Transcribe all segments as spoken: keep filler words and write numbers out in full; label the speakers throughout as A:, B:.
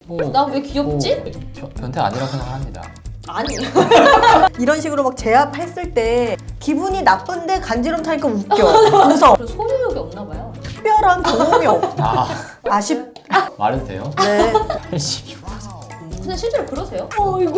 A: 뭐,
B: 나 왜 귀엽지?
A: 뭐, 변- 변태 아니라고 생각합니다.
B: 아니.
C: 이런 식으로 막 제압했을 때 기분이 나쁜데 간지럼 타니까 웃겨. 웃어.
B: 그런 소유욕이 없나 봐요.
C: 특별한 경험이 없.
A: 아,
C: 아쉽.
A: 말해도 돼요?
C: 네.
A: 팔십육 퍼센트.
B: 근데 실제로 그러세요?
C: 어이구.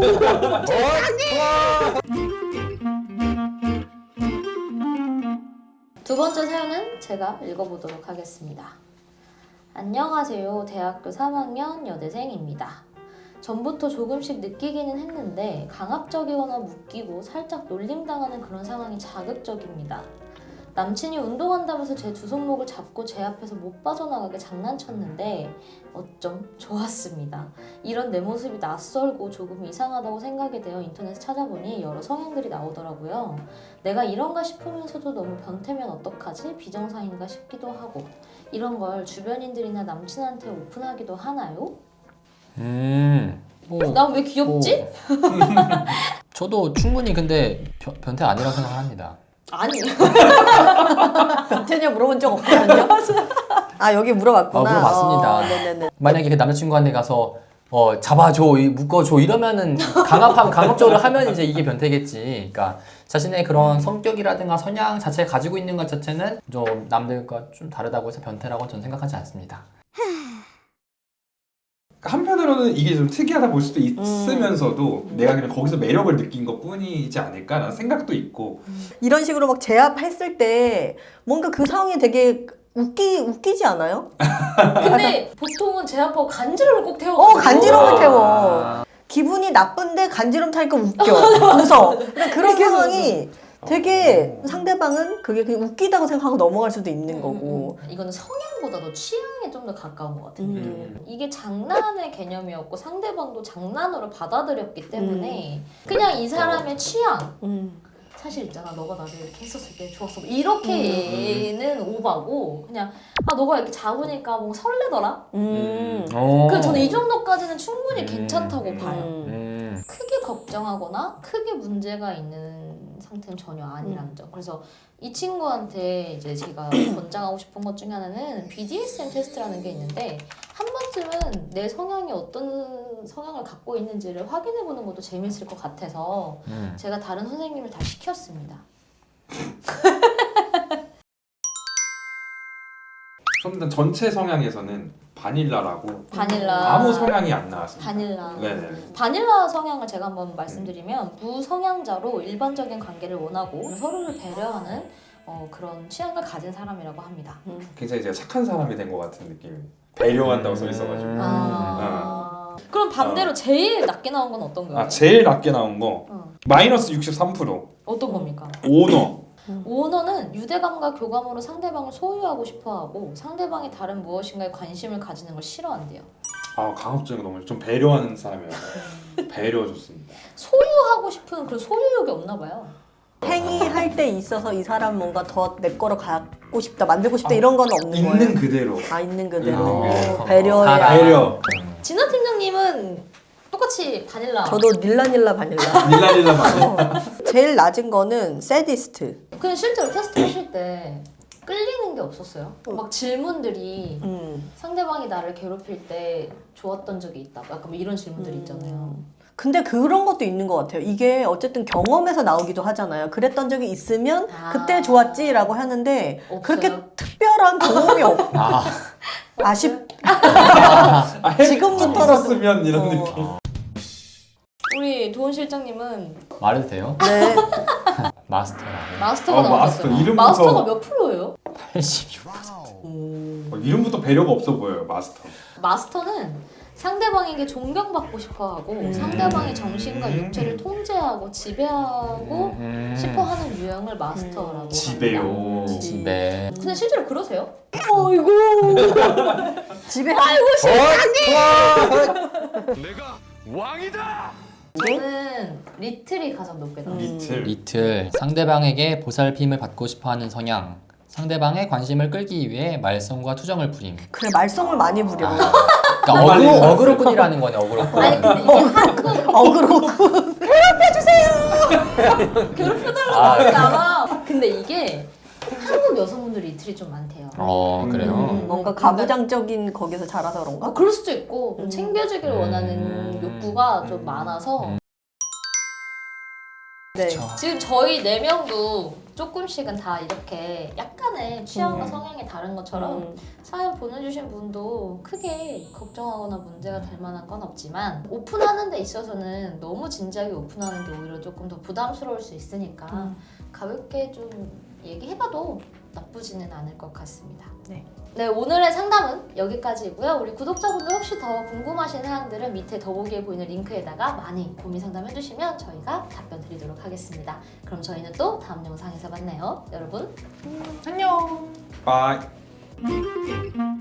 B: 두 번째 사연은 제가 읽어보도록 하겠습니다. 안녕하세요. 대학교 삼 학년 여대생입니다. 전부터 조금씩 느끼기는 했는데 강압적이거나 묶이고 살짝 놀림당하는 그런 상황이 자극적입니다. 남친이 운동한다면서 제 두 손목을 잡고 제 앞에서 못 빠져나가게 장난쳤는데 어쩜 좋았습니다. 이런 내 모습이 낯설고 조금 이상하다고 생각이 되어 인터넷에 찾아보니 여러 성향들이 나오더라고요. 내가 이런가 싶으면서도 너무 변태면 어떡하지? 비정상인가 싶기도 하고 이런 걸 주변인들이나 남친한테 오픈하기도 하나요?
A: 음, 뭐,
B: 난 왜 귀엽지?
A: 뭐. 저도 충분히 근데 변, 변태 아니라고 생각합니다.
B: 아니.
C: 변태냐 물어본 적 없거든요. 아 여기 물어봤구나.
A: 어, 물어봤습니다.
C: 어, 네네네.
A: 만약에 그 남자친구한테 가서 어, 잡아줘, 이- 묶어줘 이러면은 강압하면 강압적으로 하면 이제 이게 변태겠지. 그러니까 자신의 그런 성격이라든가 성향 자체를 가지고 있는 것 자체는 좀 남들과 좀 다르다고 해서 변태라고 저는 생각하지 않습니다.
D: 한편으로는 이게 좀 특이하다 볼 수도 있으면서도 음. 내가 그냥 거기서 매력을 느낀 것 뿐이지 않을까라는 생각도 있고.
C: 이런 식으로 막 제압했을 때 뭔가 그 상황이 되게 웃기 웃기지 않아요?
B: 근데 보통은 제압하고 간지럼을 꼭 태워.
C: 어 간지럼을
A: 아.
C: 태워. 기분이 나쁜데 간지럼 타니까 웃겨. 웃어. 근데 그런 상황이 되게 상대방은 그게 그냥 웃기다고 생각하고 넘어갈 수도 있는 거고.
B: 음, 이거는 성향보다도 취향에 좀 더 가까운 것 같아요.
C: 음.
B: 이게 장난의 개념이었고 상대방도 장난으로 받아들였기 때문에 그냥 이 사람의 취향.
C: 음.
B: 사실 있잖아, 너가 나를 이렇게 했었을 때 좋았어. 이렇게는 오바고 그냥 아 너가 이렇게 잡으니까 뭔가 설레더라.
C: 음.
A: 어.
B: 그 저는 이 정도까지는 충분히
A: 음.
B: 괜찮다고
D: 음.
B: 봐요.
A: 음.
B: 크게 걱정하거나 크게 문제가 있는 상태는 전혀 아니라는 점. 그래서 이 친구한테 이제 제가 권장하고 싶은 것 중에 하나는 비디에스엠 테스트라는 게 있는데 한 번쯤은 내 성향이 어떤 성향을 갖고 있는지를 확인해보는 것도 재밌을 것 같아서
A: 음.
B: 제가 다른 선생님을 다 시켰습니다.
D: 일단 전체 성향에서는 바닐라라고
B: 바닐라.
D: 아무 성향이 안 나왔습니다.
B: 바닐라.
D: 네네.
B: 바닐라 성향을 제가 한번 말씀드리면 무성향자로 일반적인 관계를 원하고 서로를 배려하는 어, 그런 취향을 가진 사람이라고 합니다.
D: 굉장히 제가 착한 사람이 된 것 같은 느낌. 배려한다고 써 있어가지고.
A: 음.
B: 아. 그럼 반대로 제일 낮게 나온 건 어떤 거예요?
D: 아 제일 낮게 나온 거
B: 어.
D: 마이너스 육십삼 퍼센트.
B: 어떤 겁니까?
D: 오너.
B: 오너는 유대감과 교감으로 상대방을 소유하고 싶어하고 상대방이 다른 무엇인가에 관심을 가지는 걸 싫어한대요.
D: 아 강압적인 거 너무 좀 배려하는 사람이라서 배려 좋습니다.
B: 소유하고 싶은 그런 소유욕이 없나 봐요.
C: 행위할 때 있어서 이 사람 뭔가 더 내 거로 갖고 싶다, 만들고 싶다
D: 아,
C: 이런 건 없는 거예요?
D: 있는 그대로.
C: 아 있는 그대로.
D: 있는 그대로.
C: 배려야.
A: 사랑.
D: 배려.
B: 진아 팀장님은 똑같이 바닐라.
C: 저도 닐라닐라 바닐라.
D: 닐라닐라 말.
C: 어. 제일 낮은 거는 세디스트.
B: 근데 실제로 테스트 하실 때 끌리는 게 없었어요? 막 질문들이
C: 음.
B: 상대방이 나를 괴롭힐 때 좋았던 적이 있다. 약간 뭐 이런 질문들이 있잖아요.
C: 근데 그런 것도 있는 것 같아요. 이게 어쨌든 경험에서 나오기도 하잖아요. 그랬던 적이 있으면
B: 아.
C: 그때 좋았지라고 하는데
B: 없어요?
C: 그렇게 특별한 경험이 없.
A: 아.
C: 아쉽.
D: 아, 해-
C: 지금부터라도-
D: 있었으면 이런
C: 어.
D: 느낌.
B: 우리 도훈 실장님은
A: 말해도 돼요?
C: 네.
A: 마스터라고.
B: 마스터가
D: 어, 마스터.
B: 나오셨어요.
D: 이름부터-
B: 마스터가 몇 프로예요?
A: 팔십육 퍼센트.
C: 음.
D: 어, 이름부터 배려가 없어 보여요 마스터.
B: 마스터는 상대방에게 존경받고 싶어하고
C: 음.
B: 상대방의 정신과 육체를 통제하고 지배하고
A: 음.
B: 싶어하는 유형을 마스터라고 합니다.
D: 지배요.
B: 음.
A: 집에.
B: 근데 실제로 그러세요?
C: 어이구. 집에
B: 아이고
E: 내가 왕이다!
B: 저는 리틀이 가장 높게 나와요.
D: 리틀.
A: 이틀 상대방에게 보살핌을 받고 싶어하는 성향. 상대방의 관심을 끌기 위해 말썽과 투정을 부림.
C: 그래 말썽을 많이 부려.
A: 아, 그러니까
D: 빨리
A: 어그로,
D: 나왔어요.
A: 어그로꾼이라는 거네, 어그로꾼.
B: 아니 근데 이게 한국
C: 어그로.
B: 괴롭혀달라고
A: 아,
B: 하지 않아. 근데 이게 한국 여성분들이 이틀이 좀 많대요.
A: 어 그래요.
C: 음, 뭔가 가부장적인 거기서 자라서 그런가?
B: 어, 그럴 수도 있고 좀
C: 음.
B: 챙겨주기를
A: 음.
B: 원하는 욕구가 좀 많아서
A: 음.
C: 네.
A: 그쵸.
B: 지금 저희 네 명도 조금씩은 다 이렇게 약간의 취향과
C: 음.
B: 성향이 다른 것처럼
C: 음.
B: 사연 보내주신 분도 크게 걱정하거나 문제가 될 만한 건 없지만 오픈하는 데 있어서는 너무 진지하게 오픈하는 게 오히려 조금 더 부담스러울 수 있으니까
C: 음.
B: 가볍게 좀 얘기해봐도 나쁘지는 않을 것 같습니다.
C: 네.
B: 네, 오늘의 상담은 여기까지이고요. 우리 구독자분들 혹시 더 궁금하신 사항들은 밑에 더보기에 보이는 링크에다가 많이 고민 상담해주시면 저희가 답변 드리도록 하겠습니다. 그럼 저희는 또 다음 영상에서 만나요. 여러분,
A: 안녕.
D: 빠이.